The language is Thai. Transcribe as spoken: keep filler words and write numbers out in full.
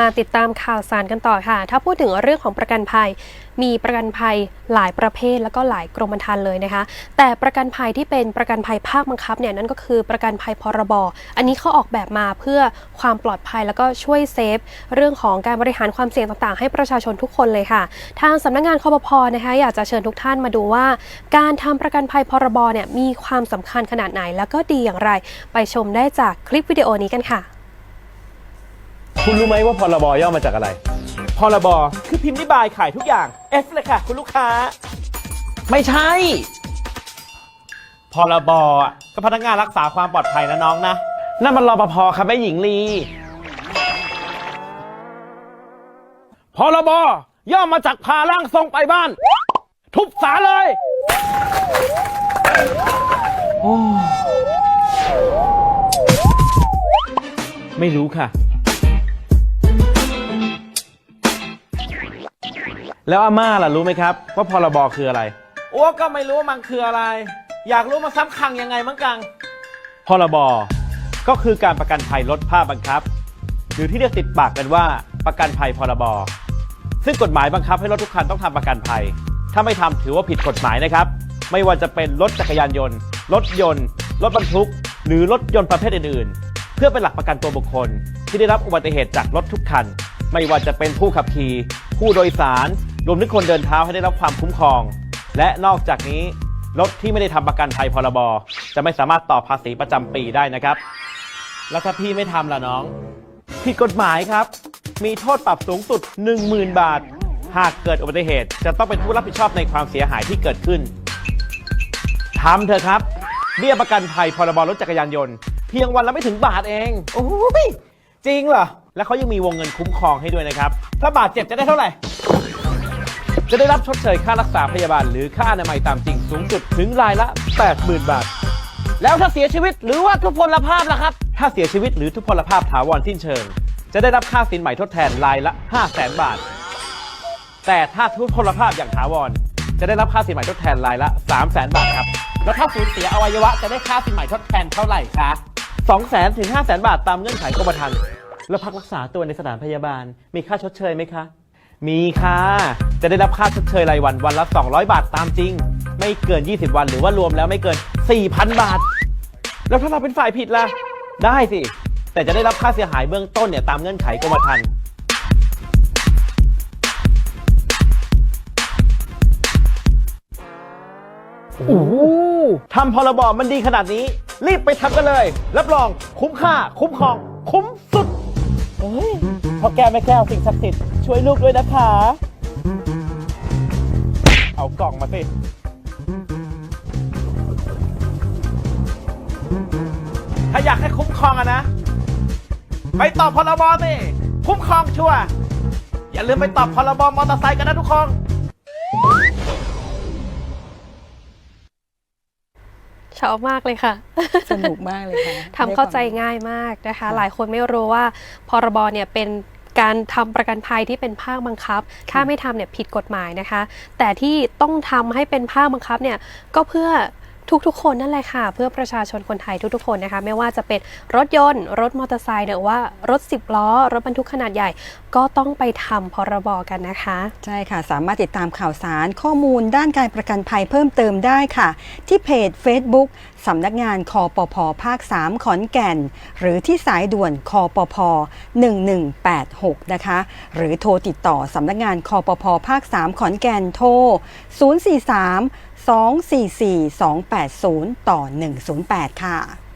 มาติดตามข่าวสารกันต่อค่ะถ้าพูดถึงเรื่องของประกันภัยมีประกันภัยหลายประเภทแล้วก็หลายกรมธรรม์เลยนะคะแต่ประกันภัยที่เป็นประกันภัยภาคบังคับเนี่ยนั่นก็คือประกันภัยพรบอันนี้เขาออกแบบมาเพื่อความปลอดภัยแล้วก็ช่วยเซฟเรื่องของการบริหารความเสี่ยงต่างๆให้ประชาชนทุกคนเลยค่ะทางสำนักงานคปภ.นะคะอยากจะเชิญทุกท่านมาดูว่าการทำประกันภัยพรบเนี่ยมีความสำคัญขนาดไหนแล้วก็ดีอย่างไรไปชมได้จากคลิปวิดีโอนี้กันค่ะคุณรู้ไหมว่าพรบย่อมาจากอะไรพรบคือพิมพ์นิบายขายทุกอย่าง F เลยค่ะคุณลูกค้าไม่ใช่พรบอ่ะก็พนักงานรักษาความปลอดภัยนะน้องนะนั่นมันรปภครับแม่หญิงลีพรบย่อมาจากพาร่างทรงไปบ้านทุบศาลเลยโอ้ไม่รู้ค่ะแล้วอาม่าล่ะรู้ไหมครับว่าพรบคืออะไรอ้วก็ไม่รู้ว่ามันคืออะไรอยากรู้มาซ้ำคังยังไงมั้งกังพรบก็คือการประกันภัยลดภาคบังคับหรือที่เรียกติดปากกันว่าประกันภัยพรบซึ่งกฎหมายบังคับให้รถทุกคันต้องทำประกันภัยถ้าไม่ทำถือว่าผิดกฎหมายนะครับไม่ว่าจะเป็นรถจักรยานยนต์รถยนต์รถบรรทุกหรือรถยนต์ประเภทอื่นๆเพื่อเป็นหลักประกันตัวบุคคลที่ได้รับอุบัติเหตุจากรถทุกคันไม่ว่าจะเป็นผู้ขับขี่ผู้โดยสารรวมถึงคนเดินเท้าให้ได้รับความคุ้มครองและนอกจากนี้รถที่ไม่ได้ทำประกันภัยพรบจะไม่สามารถต่อภาษีประจำปีได้นะครับแล้วถ้าพี่ไม่ทำล่ะน้องผิดกฎหมายครับมีโทษปรับสูงสุด หนึ่งหมื่น บาทหากเกิดอุบัติเหตุจะต้องเป็นผู้รับผิดชอบในความเสียหายที่เกิดขึ้นทำเถอะครับเบี้ยประกันภัยพรบรถจักรยานยนต์เพียงวันละไม่ถึงบาทเองโอ้ยจริงเหรอและเขายังมีวงเงินคุ้มครองให้ด้วยนะครับถ้าบาดเจ็บจะได้เท่าไหร่จะได้รับชดเชยค่ารักษาพยาบาลหรือค่าอนามัยตามจริงสูงสุดถึงรายละ แปดหมื่น บาทแล้วถ้าเสียชีวิตหรือว่าทุพพลภาพล่ะครับถ้าเสียชีวิตหรือทุพพลภาพถาวรสิ้นเชิงจะได้รับค่าสินใหม่ทดแทนรายละ ห้าแสน บาทแต่ถ้าทุพพลภาพอย่างถาวรจะได้รับค่าสินใหม่ทดแทนรายละ สามแสน บาทครับแล้วถ้าสูญเสียอวัยวะจะได้ค่าสินใหม่ทดแทนเท่าไหร่คะสองแสน ถึง ห้าแสน บาทตามเงื่อนไขกรมธรรม์แล้วพักรักษาตัวในสถานพยาบาลมีค่าชดเชยไหมคะมีค่ะจะได้รับค่าชดเชยรายวันวันละสองร้อยบาทตามจริงไม่เกินยี่สิบวันหรือว่ารวมแล้วไม่เกิน สี่พัน บาทแล้วถ้าเราเป็นฝ่ายผิดล่ะได้สิแต่จะได้รับค่าเสียหายเบื้องต้นเนี่ยตามเงื่อนไขกรมธรรม์โอ้ทำพรบมันดีขนาดนี้รีบไปทำกันเลยรับรองคุ้มค่าคุ้มครองคุ้มสุดเฮ้ยพ่อแก้แม่แก้วสิ่งศักดิ์สิทธิ์ช่วยลูกด้วยนะคะเอากล่องมาสิถ้าอยากให้คุ้มครองอะนะไปตอบพรบสิคุ้มครองชัวร์อย่าลืมไปตอบพรบมอเตอร์ไซค์กันนะทุกคนชอบมากเลยค่ะสนุกมากเลยค่ะทำเข้าใจง่ายมากนะคะหลายคนไม่รู้ว่าพรบเนี่ยเป็นการทำประกันภัยที่เป็นภาคบังคับถ้าไม่ทำเนี่ยผิดกฎหมายนะคะแต่ที่ต้องทำให้เป็นภาคบังคับเนี่ยก็เพื่อทุกๆคนนั่นแหละค่ะเพื่อประชาชนคนไทยทุกๆคนนะคะไม่ว่าจะเป็นรถยนต์รถมอเตอร์ไซค์หรือว่ารถสิบล้อรถบรรทุกขนาดใหญ่ก็ต้องไปทำพรบกันนะคะใช่ค่ะสามารถติดตามข่าวสารข้อมูลด้านการประกันภัยเพิ่มเติมได้ค่ะที่เพจ Facebook สำนักงานคปภ.ภาคสามขอนแก่นหรือที่สายด่วนคปภ.หนึ่งหนึ่งแปดหกนะคะหรือโทรติดต่อสำนักงานคปภ.ภาคสามขอนแก่นโทรศูนย์ สี่ สาม สอง สี่ สี่ สอง แปด ศูนย์ ต่อ หนึ่ง ศูนย์ แปดค่ะ